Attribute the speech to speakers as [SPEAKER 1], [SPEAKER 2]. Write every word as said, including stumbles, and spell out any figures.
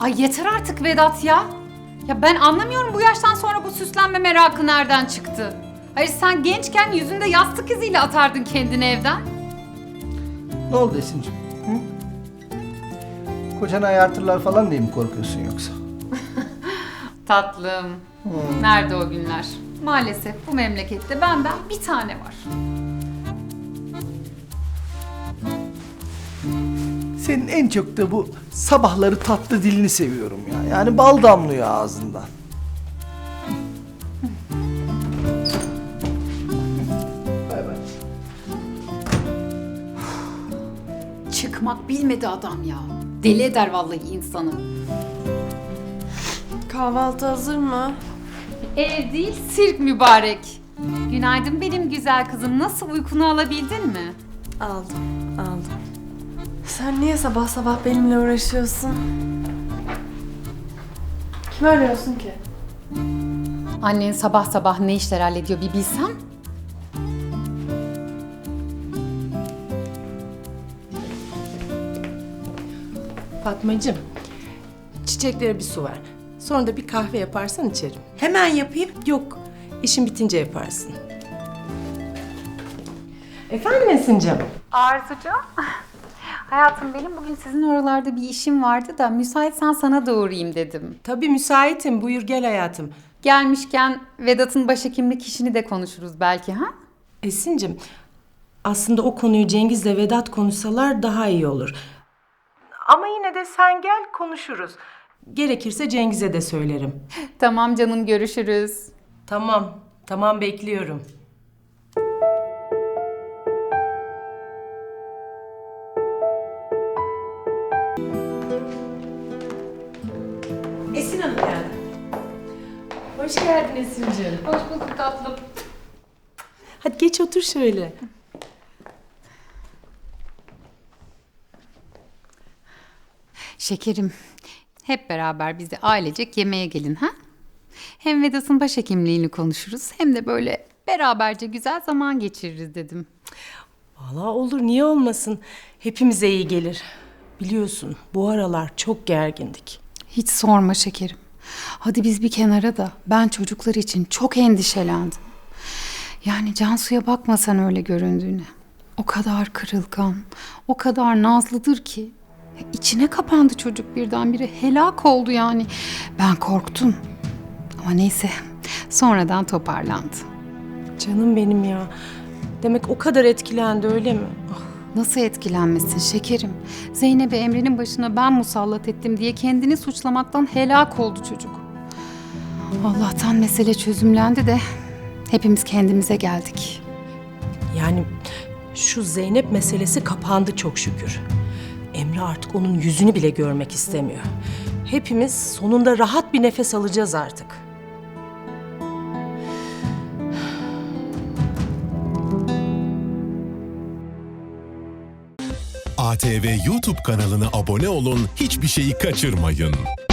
[SPEAKER 1] Ay yeter artık Vedat ya. Ya ben anlamıyorum bu yaştan sonra bu süslenme merakı nereden çıktı? Hayır sen gençken yüzünde yastık iziyle atardın kendini evden.
[SPEAKER 2] Ne oldu Esin'cim? Hı? Kocanı ayartırlar falan diye mi korkuyorsun yoksa?
[SPEAKER 1] Tatlım. Nerede o günler? Maalesef bu memlekette benden bir tane var.
[SPEAKER 2] Senin en çok da bu sabahları tatlı dilini seviyorum ya. Yani bal damlıyor ağzından. Bay bay.
[SPEAKER 1] Çıkmak bilmedi adam ya. Deli eder vallahi insanı.
[SPEAKER 3] Kahvaltı hazır mı?
[SPEAKER 1] Ev değil sirk mübarek. Günaydın benim güzel kızım. Nasıl uykunu alabildin mi?
[SPEAKER 3] Aldım, aldım. Sen niye sabah sabah benimle uğraşıyorsun? Kimi arıyorsun ki?
[SPEAKER 1] Annen sabah sabah ne işler hallediyor bir bilsem.
[SPEAKER 4] Fatmacığım, çiçeklere bir su ver. Sonra da bir kahve yaparsan içerim.
[SPEAKER 5] Hemen yapayım.
[SPEAKER 4] Yok, işin bitince yaparsın. Efendim Esin'cim?
[SPEAKER 1] Arzucuğum. Hayatım benim bugün sizin oralarda bir işim vardı da müsaitsen sana da uğrayayım dedim.
[SPEAKER 4] Tabii müsaitim, buyur gel hayatım.
[SPEAKER 1] Gelmişken Vedat'ın başhekimlik işini de konuşuruz belki ha?
[SPEAKER 4] Esin'cim, aslında o konuyu Cengiz'le Vedat konuşsalar daha iyi olur. Ama yine de sen gel konuşuruz. Gerekirse Cengiz'e de söylerim.
[SPEAKER 1] Tamam canım görüşürüz.
[SPEAKER 4] Tamam, tamam bekliyorum. Esin Hanım geldi. Hoş geldin Esin'ciğim.
[SPEAKER 1] Hoş bulduk tatlım.
[SPEAKER 4] Hadi geç otur şöyle.
[SPEAKER 1] Şekerim, hep beraber biz de ailecek yemeğe gelin ha? Hem Vedat'ın başhekimliğini konuşuruz hem de böyle beraberce güzel zaman geçiririz dedim.
[SPEAKER 4] Vallahi olur, niye olmasın? Hepimize iyi gelir. Biliyorsun bu aralar çok gergindik.
[SPEAKER 1] Hiç sorma şekerim. Hadi biz bir kenara da ben çocuklar için çok endişelendim. Yani Cansu'ya bakmasan öyle göründüğüne. O kadar kırılgan, o kadar nazlıdır ki. Ya İçine kapandı çocuk birdenbire. Helak oldu yani. Ben korktum. Ama neyse sonradan toparlandı.
[SPEAKER 4] Canım benim ya. Demek o kadar etkilendi öyle mi? Ah,
[SPEAKER 1] Nasıl etkilenmesin şekerim? Zeynep'i Emre'nin başına ben musallat ettim diye kendini suçlamaktan helak oldu çocuk. Allah'tan mesele çözümlendi de hepimiz kendimize geldik.
[SPEAKER 4] yani şu Zeynep meselesi kapandı çok şükür. Emre artık onun yüzünü bile görmek istemiyor. Hepimiz sonunda rahat bir nefes alacağız artık.
[SPEAKER 6] A T V YouTube kanalına abone olun, hiçbir şeyi kaçırmayın.